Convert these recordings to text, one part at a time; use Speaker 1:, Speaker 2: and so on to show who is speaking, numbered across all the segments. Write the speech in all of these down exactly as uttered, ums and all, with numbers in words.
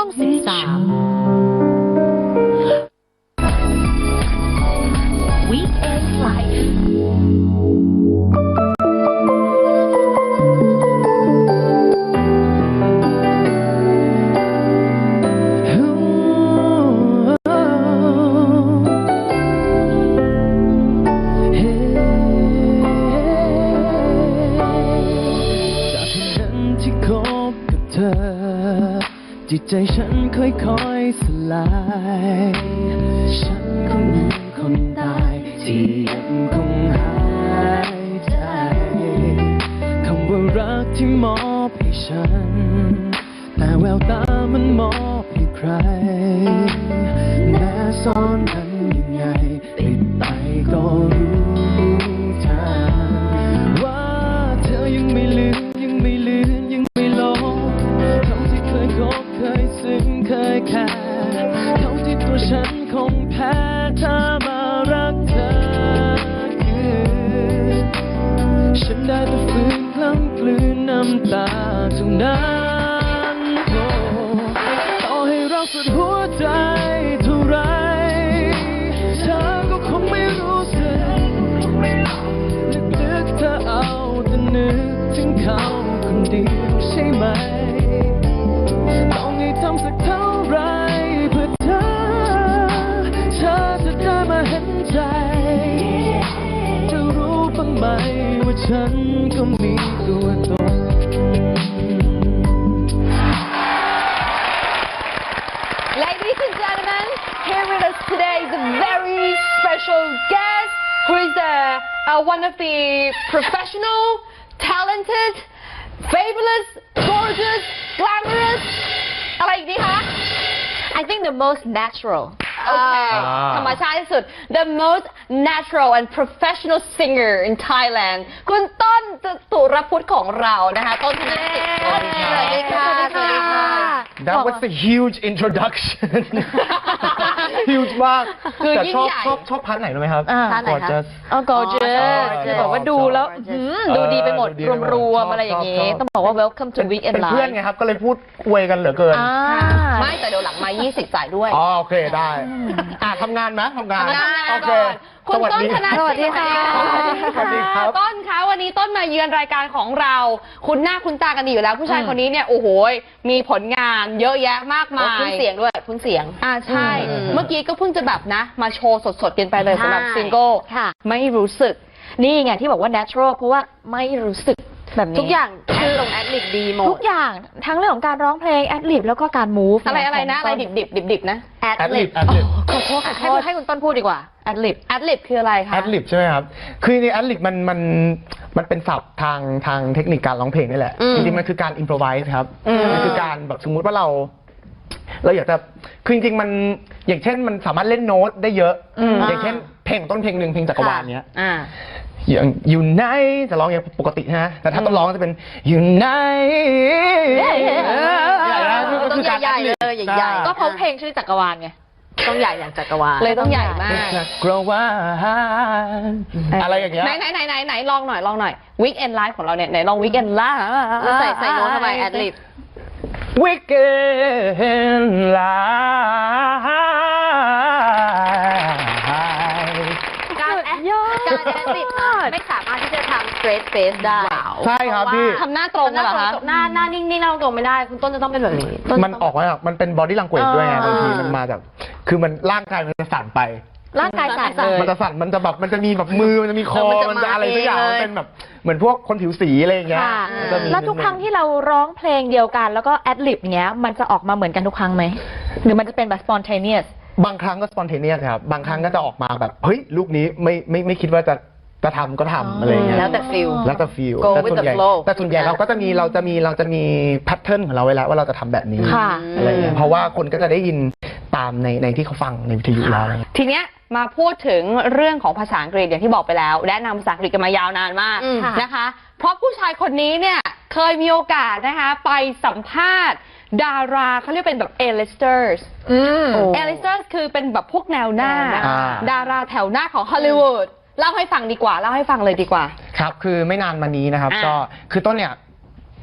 Speaker 1: องสิบสาม Weekend Life
Speaker 2: จิตใจฉันค่อยๆสลายฉันคงเหมือนคนตายที่ยังคงหายใจคำว่ารักที่มอบให้ฉันแต่แววตามันมอบให้ใครแม้ซ่อนมันยังไงปิดไปก็รู้ทางว่าเธอยังไม่ลืมยังไม่ลืมยังไม่ลบคำที่เคยคบเคยซึ้งเคยแค่เขาที่ตัวฉันคงแพ้ถ้ามารักเธอคือฉันได้แต่ฝืนคล้ำกลืนน้ำตาเท่านั้นโอ้ต่อให้เราสุดหัวใจเท่าไรเธอก็คงไม่รู้สึกลึกๆเธอเอาแต่นึกถึงเขาคนเดียวใช่ไหมทำสักเท่าไรเพื่อเธอเธอจะได้มาเห็นใจจะรู้บ้างไหมว่าฉันก็มีตัวตน
Speaker 3: Ladies and gentlemen, here with us today is a very special guest who is the, uh, one of the professional, talented, fabulous, gorgeous, glamorousอะไรอีกดีคะ I think the most natural โอเคธรรมชาติที่สุด the most natural and professional singer in Thailand คุณต้นตุรพุทธของเรานะคะต้นธนกิจสวัสดีค่ะสวัสดีค่ะ
Speaker 4: That was a huge introduction huge มากแต่ชอบชอบชอบพาร์ทไหนรู้ไหมครับ
Speaker 3: พาร์ทไหนคะ
Speaker 4: Gorgeous
Speaker 3: อ๋อ gorgeous คือบอกว่าดูแล้วดูดีไปหมดรวมๆอะไรอย่างนี้ต้องบอกว่า welcome to weekend
Speaker 4: เป็น
Speaker 3: live
Speaker 4: เพื่อนไงครับก็เลยพูดอวยกันเหลือเกิน
Speaker 3: ไม่แต่เดี๋ยวหลังมายี่สิบจ่ายด้วย
Speaker 4: อ๋อโอเคได้อ่ะทำงานไหมทำงาน
Speaker 3: ทำงาน
Speaker 4: โอเค
Speaker 3: คุณต้นธนกิจ
Speaker 4: สวัสดีค่ะสวัสดีครับ
Speaker 3: ต้นคะวันนี้ต้นมาเยือนรายการของเรา คุณหน้าคุณตากันดีอยู่แล้ว ผู้ชายคนนี้เนี่ยโอ้โหมีผลงานเยอะแยะมากมายคุ้นเสียงด้วยคุ้นเสียงอ่าใช่เมื่อกี้ก็เพิ่งจะแบบนะมาโชว์สดๆกันไปเลยสำหรับซิงเกิลไม่รู้สึกนี่ไงที่บอกว่า natural เพราะว่าไม่รู้สึกแบบนี้ทุกอย่างแอดลงแอดลิบดีหมดทุกอย่างทั้งเรื่องของการร้องเพลงแอดลิบแล้วก็การมูฟอะไรอะไรนะอะไรดิบดิบดิบดิบนะแอดลิบขอโทษขอโทษให้คุณต้นพูดดีกว่าแอดลิบแอดลิบคืออะไรคะ
Speaker 4: แอดลิบใช่ไหมครับคือในแอดลิบมันมันมันเป็นศัพท์ทางทางเทคนิคการร้องเพลงนี่แหละจริงๆมันคือการอิมพรไวส์ครับมันคือการแบบสมมุติว่าเราเราอยากจะคือจริงๆมันอย่างเช่นมันสามารถเล่นโน้ตได้เยอะอย่างเช่นเพลงต้นเพลงหนึ่งเพลงจักรวาลเนี้ยอย่างอยู่ไหนจะร้องอย่างปกตินะแต่ถ้าต้องร้องจะเป็นอยู่ไหน
Speaker 3: ต้องใหญ่ๆเลยใหญ่ๆก็เพราะเพลงชื่อจักรวาลไงต้องใหญ่อย่างจักรวาลเลยต้องใหญ่มาก
Speaker 4: จักรวาลอะไรอย่างเงี้ย
Speaker 3: ไหนไหนไหนไหนไหนลองหน่อยลองหน่อย Weekend Live ของเราเนี่ยไหนลอง Weekend Live แล้วใส่ใส่โน้ตเข้าไปแอดลิบ
Speaker 4: Weekend Live
Speaker 3: การแอดการแอดลิบไม่สามารถที่จะทำ straight face ได้
Speaker 4: ใช่ครับพี่
Speaker 3: ทำหน้าตรงเหรอคะหน้าหน้านิ่งๆหน้าตรงไม่ได้คุณต้นจะต้องเป็นแบบนี้
Speaker 4: มันออกมามันเป็น body language ด้วยไงบางทีมันมาจากคือมันร่างกายมันจะสั่นไป
Speaker 3: ร่างกายสั่นเลย
Speaker 4: มันจะสั่นมันจะแบบมันจะมีแบบมือมันจะมีคอมันจะอะไรสักอย่างมันเป็นแบบเหมือนพวกคนผิวสีอะไรอย่างเงี้ย
Speaker 1: แล้วทุกครั้งที่เราร้องเพลงเดียวกันแล้วก็แอดลิบเงี้ยมันจะออกมาเหมือนกันทุกครั้งไหมหรือมันจะเป็นแบบ spontaneous
Speaker 4: บางครั้งก็ spontaneous ครับบางครั้งก็จะออกมาแบบเฮ้ยลูกนี้ไม่ไม่ไม่คิดว่าจะจะทำก็ทำอะไรเงี้ย
Speaker 3: แล้วแต่ฟิล
Speaker 4: แล้วแต่ฟิลแต่ส่วนใหญ่แต่ส่วนใหญ่เราก็จะมีเราจะมีเราจะมีแพทเทิร์นของเราไว้แล้วว่าเราจะทำแบบนี้อะไรเงี้ยเพราะว่าคนก็จะได้ยินตามในในที่เขาฟังในวิทยุแล้ว
Speaker 3: ทีเนี้ยมาพูดถึงเรื่องของภาษาอังกฤษอย่างที่บอกไปแล้วแนะนำภาษาอังกฤษกันมายาวนานมากนะคะเพราะผู้ชายคนนี้เนี่ยเคยมีโอกาสนะคะไปสัมภาษณ์ดาราเขาเรียกเป็นแบบ A-listers A-listers คือเป็นแบบพวกแนวหน้าดาราแถวหน้าของฮอลลีวูดเล่าให้ฟังดีกว่าเล่าให้ฟังเลยดีกว่า
Speaker 4: ครับคือไม่นานมานี้นะครับก็คือต้นเนี่ย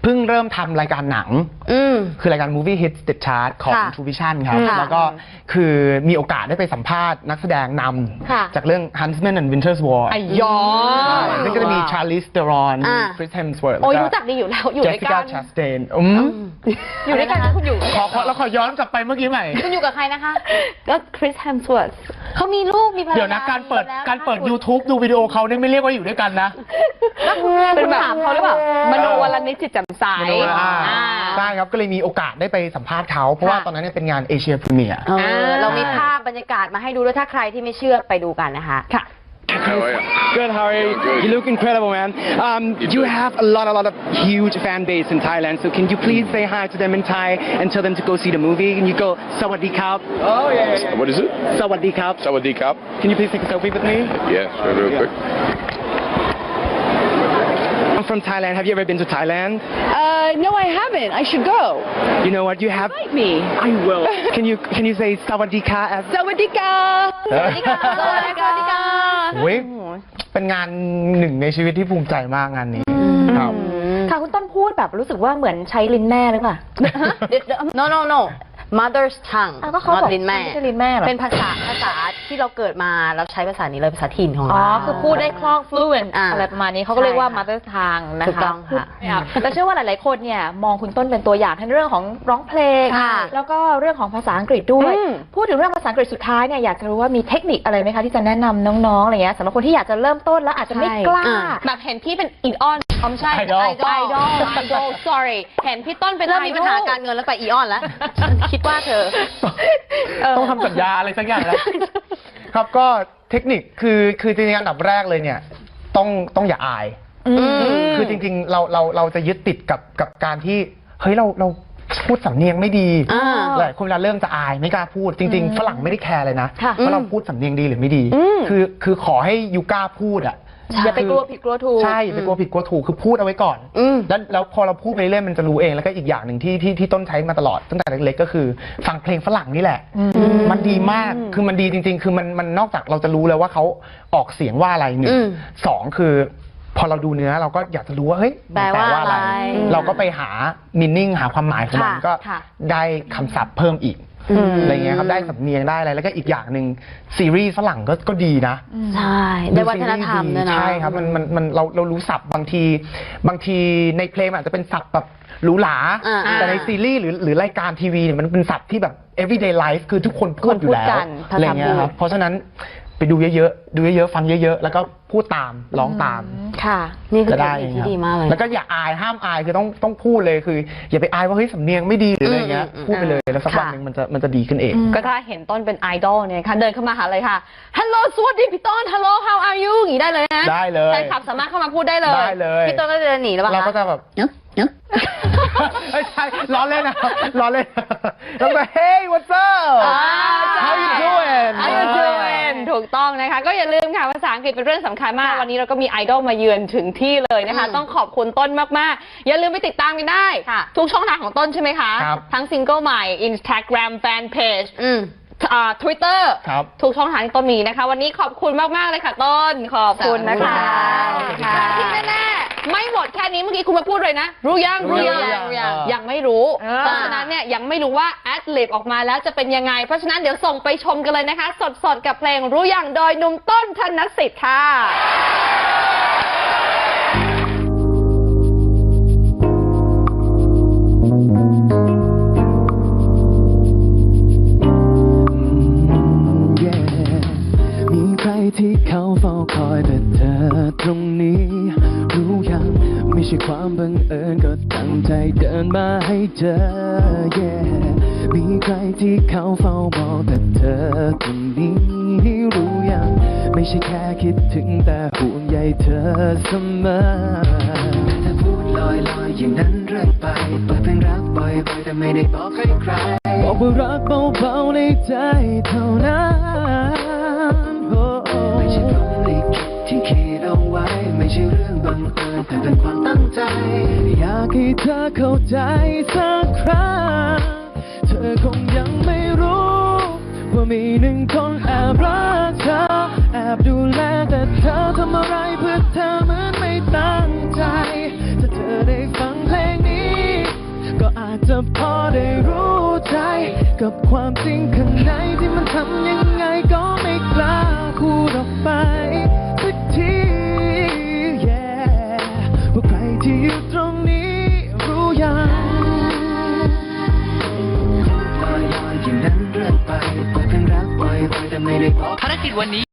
Speaker 4: เพิ่งเริ่มทำรายการหนัง
Speaker 3: อืม
Speaker 4: คือรายการ Movie Hits The Chart ของ
Speaker 3: ค่ะ
Speaker 4: True Vision ครับ
Speaker 3: ค่ะ
Speaker 4: แล้วก็คือมีโอกาสได้ไปสัมภาษณ์นักแสดงน
Speaker 1: ค่ะ
Speaker 4: ำจากเรื่อง Huntsman and Winter's War
Speaker 3: ไอ้ยอ
Speaker 4: ซึ่งก็จะมี Charlize Theron
Speaker 3: อ่า
Speaker 4: Chris Hemsworth
Speaker 3: โอ้ย
Speaker 4: แล้ว
Speaker 3: รู้จักดีอยู่แล้วอยู่ด้วยกั
Speaker 4: Jessica
Speaker 3: น
Speaker 4: Chastain อืม
Speaker 3: อยู่ด้วยกันนะคุณอยู่
Speaker 4: ขอขอแล้วขอย้อนกลับไปเมื่อกี้ใหม่
Speaker 3: คุณอยู่กับใครนะคะ ก็คริสแฮมสวอร์ธเขามีลูกมีภรรยา
Speaker 4: เดี๋ยวนะการเปิด
Speaker 3: แล้ว
Speaker 4: การเปิด
Speaker 3: คุณ
Speaker 4: YouTube ดูวิดีโอเขาเนี่ยไม่เรียกว่าอยู่ด้วยกันนะ
Speaker 3: เป็นแบบเขาหรือเปล่ามโนวลนิจจิตแจ่มใส
Speaker 4: อ่า
Speaker 3: อ่า
Speaker 4: ใช่ครับก็เลยมีโอกาสได้ไปสัมภาษณ์เขาเพราะว่า
Speaker 3: ค่ะ
Speaker 4: ตอนนั้นเนี่ยเป็นงานเอเชียพรีเมียร์
Speaker 3: เออเรามีภาพบรรยากาศมาให้ดูด้วยถ้าใครที่ไม่เชื่อไปดูกันนะคะค่ะ
Speaker 5: How are you?
Speaker 2: Good, how are you?
Speaker 5: Good.
Speaker 2: You look incredible, man. Um, you have a lot, a lot of huge fan base in Thailand. So can you please say hi to them in Thai and tell them to go see the movie? Can you go Sawadee Krap? Oh yeah, yeah, yeah.
Speaker 5: What is it?
Speaker 2: Sawadee Krap.
Speaker 5: Sawadee Krap?
Speaker 2: Can you please take a selfie with me?
Speaker 5: Yeah, sure, real
Speaker 2: Yeah.
Speaker 5: quick.
Speaker 2: I'm from Thailand. Have you ever been to Thailand?
Speaker 6: Uh, no, I haven't. I should go.
Speaker 2: You know what? You have.
Speaker 6: Invite me.
Speaker 2: I will. Can you can you say Sawadee Krap as?
Speaker 6: Sawadika.
Speaker 3: สวัสดีค่ะสวัสดีค่ะ
Speaker 4: โอ้ยเป็นงานหนึ่งในชีวิตที่ภูมิใจมากงานนี้ครับ
Speaker 1: ค่ะคุณต้นพูดแบบรู้สึกว่าเหมือนใช้ลิ้นแม่หรือเปล่า
Speaker 3: no no no mother's tongue
Speaker 1: อ้าวก็เขา
Speaker 3: not
Speaker 1: บอก
Speaker 3: ลิ้นแม่
Speaker 1: ไม่ใช่ลิ้นแม่เหรอ
Speaker 3: เป็นภาษาภาษาที่เราเกิดมาเราใช้ภาษานี้เลยภาษาถิ่นของ
Speaker 1: อ๋อ
Speaker 3: เรา
Speaker 1: คือพูดได้คล่อง fluent
Speaker 3: อ่า
Speaker 1: อะไรประมาณนี้เขาก็เรียกว่า
Speaker 3: ใช่ค่ะ
Speaker 1: mother tongue นะคะ
Speaker 3: ถูกต้องค่ะ
Speaker 1: แต่เชื่อว่าหลาย ๆ คนเนี่ยมองคุณต้นเป็นตัวอย่างในเรื่องของร้องเพลง
Speaker 3: ค่ะ
Speaker 1: แล้วก็เรื่องของภาษาอังกฤษด้วย
Speaker 3: อืม
Speaker 1: พูดถึงเรื่องภาษาอังกฤษสุดท้ายเนี่ยอยากจะรู้ว่ามีเทคนิคอะไรไหมคะที่จะแนะนำน้อง ๆ อะไรเงี้ยสำหรับคนที่อยากจะเริ่มต้นแล้วอาจจะไม่กล้า
Speaker 3: อ่แบบเห็นพี่เป็นอีออนอ๋อไม่ใช่
Speaker 4: Idol
Speaker 3: ไอดอลไอดอล sorry เห็นพี่ต้นเป็นเริ่มมีปัญหาการเงินแล้วไปอีออนแล้ว คิดว่าเธอ
Speaker 4: ต้องทำสัญญาอะไรสักอย่างแล้ว ครับก็เทคนิคคือคือจริงๆอันดับแรกเลยเนี่ยต้องต้องอย่าอาย คือจริงๆเราเราเราจะยึดติดกับกับการที่เฮ้ยเราเราพูดสำเนียงไม่ดี
Speaker 3: อ่า
Speaker 4: หลายคนเวลาเริ่มจะอายไม่กล้าพูดจริง ๆ ฝรั่งไม่ได้แคร์เลยนะ
Speaker 1: ค่ะ
Speaker 4: ว่าเราพูดสำเนียงดีหรือไม่ดี คือคือขอให้ยูกล้าพูดอ่ะ
Speaker 1: อย่าไปกลัวผิดกลัวถูก
Speaker 4: ใช่อย่าไปกลัวผิดกลัวถูกคือพูดเอาไว้ก่อน
Speaker 3: อืม
Speaker 4: แล้วแล้วพอเราพูดไปเรื่อยๆมันจะรู้เองแล้วก็อีกอย่างหนึ่งที่ที่ที่ต้นใช้มาตลอดตั้งแต่เล็กๆก็คือฟังเพลงฝรั่งนี่แหละ มันดีมากคือมันดีจริง ๆ คือมันมันนอกจากเราจะรู้แล้วว่าเขาออกเสียงว่าอะไรหนึ่ง
Speaker 3: อืม
Speaker 4: สองคือ พอเราดูเนื้อเราก็อยากจะรู้ว่าเฮ้ยมัน
Speaker 3: แปลว่าอะไร
Speaker 4: เราก็ไปหามินนิ่งหาความหมายของมัน
Speaker 3: ค่ะ
Speaker 4: ก็
Speaker 1: ค่ะ
Speaker 4: ได้คำศัพท์เพิ่มอีกอะไรเงี้ยครับได้สำเนียงได้อะไรแล้วก็อีกอย่างหนึ่งซีรีส์ฝรั่งก็ก็ดีนะ
Speaker 3: ใช่ได้วัฒนธรรมด้วยนะ
Speaker 4: ใช่ครับมันมันมันเราเรารู้ศัพท์บางทีบางทีในเพลงอาจจะเป็นศัพท์แบบหรูหรา
Speaker 3: อ่า
Speaker 4: แต่ในซีรีส์หรือหรือรายการทีวีเนี่ยมันเป็นศัพท์ที่แบบ everyday life คือทุกคนพูดอยู่แล้ว
Speaker 1: คนพูดกัน
Speaker 4: อะไรเงี้ยครับเพราะฉะนั้นไปดูเยอะๆดูเยอะๆฟังเยอะๆแล้วก็พูดตามร้องตาม
Speaker 1: ค่ะ
Speaker 3: นี่คือ
Speaker 4: จะ
Speaker 3: เทค
Speaker 4: ได้
Speaker 3: นิค
Speaker 4: ค
Speaker 3: ที่
Speaker 4: รับ
Speaker 3: ดีมากเลย
Speaker 4: แล้วก็อย่าอายห้ามอายคือต้องต้องพูดเลยคือ อย่าไปอายว่าเฮ้ยสำเนียงไม่ดีหรืออะไรเงี้ย
Speaker 3: อืมอืม
Speaker 4: พูดไปเลยแล้วสักวัน
Speaker 3: ค่ะ
Speaker 4: หนึ่งมันจะมันจะดีขึ้นเอง
Speaker 3: ก็ถ้าเห็นต้นเป็นไอดอลเนี่ยค่ะเดินเข้ามาหาเลยค่ะ Hello สวัสดีพี่ต้น Hello how are you อย่างนี้ได้เลยนะ
Speaker 4: ได้เลย
Speaker 3: แฟนคลับสามารถเข้ามาพูดได้เลย
Speaker 4: ได้เลย
Speaker 3: พี่ต้นก็จะเดินหนีแล้วป่ะ
Speaker 4: เราก็
Speaker 3: คะ
Speaker 4: จะแบบ
Speaker 3: เนาะเนาะ
Speaker 4: ไม่ใช่ล้อเล่นนะล้อเล่นแล้วก็ Hey what's up How you doing
Speaker 3: How you doing ถูกต้องนะคะ ก็อย่าลืมค่ะภาษาอังกฤษเป็นเรื่องสำคัญมาก วันนี้เราก็มีไอดอลมาเยือนถึงที่เลยนะคะ ต้องขอบคุณต้นมากๆ อย่าลืมไปติดตามกันได้ ทุกช่องทางของต้นใช่ไหมคะ
Speaker 4: ครับ
Speaker 3: ทั้งซิงเกิลใหม่ Instagram Fan Page อ่า Twitter
Speaker 4: ครับ
Speaker 3: ทุกช่องทางที่ต้นมีนะคะ วันนี้ขอบคุณมากๆเลยค่ะต้นขอบคุณนะคะ
Speaker 4: ขอบคุณค่ะ
Speaker 3: แต่ที่แน่ๆไม่หมดแค่นี้เมื่อกี้คุณมาพูดเลยนะ รู้ยัง
Speaker 4: รู้
Speaker 3: รู้
Speaker 4: ยั
Speaker 3: ยัง ง
Speaker 4: รู้ยัง
Speaker 3: ยังไม่รู้
Speaker 1: เออ
Speaker 3: เพราะฉะนั้นเนี่ยยังไม่รู้ว่าแอดลิบออกมาแล้วจะเป็นยังไง เพราะฉะนั้นเดี๋ยวส่งไปชมกันเลยนะคะ สดๆกับเพลงรู้ยังโดยหนุ่มต้นธนสิทธิ์ค่ะ
Speaker 2: Yeah มีใครที่เขาเฝ้าคอยแต่เธอตรงนี้ รู้ยังไม่ใช่ความบังเอิญก็ตั้งใจเดินมาให้เจอ Yeah มีใครที่เขาเฝ้ามองแต่เธอตรงนี้ รู้ยังไม่ใช่แค่คิดถึงแต่ห่วงใยเธอเสมอแต่พูดลอยๆอย่างนั้นเรื่อยไปเปิดเพลงรักบ่อยๆแต่ไม่ได้บอกใครใครบอกว่ารักเบาๆในใจเท่านั้นโอ้ไม่ใช่พรหมลิขิตที่คิดเอาไว้ไม่ใช่เรื่องบังเอิญแต่เป็นความตั้งใจอยากให้เธอเข้าใจสักครั้งเธอคงยังไม่รู้ว่ามีหนึ่งคนแอบรักเธอแอบดูแลแต่เธอทำอะไรเพื่อเธอเหมือนไม่ตั้งใจถ้าเธอได้ฟังเพลงนี้ากจะพอได้รู้ใจ กับความจริงข้างในที่มันทำยังไงก็ไม่กล้าพูดออกไปสักที yeah ว่าใครที่อยู่ตรงนี้รู้ยังลอยๆอย่างนั้นเรื่อยไปเปิดเพลงรักไว้ไว้แต่ไม่ได้บอก
Speaker 5: ภารกิจวันนี้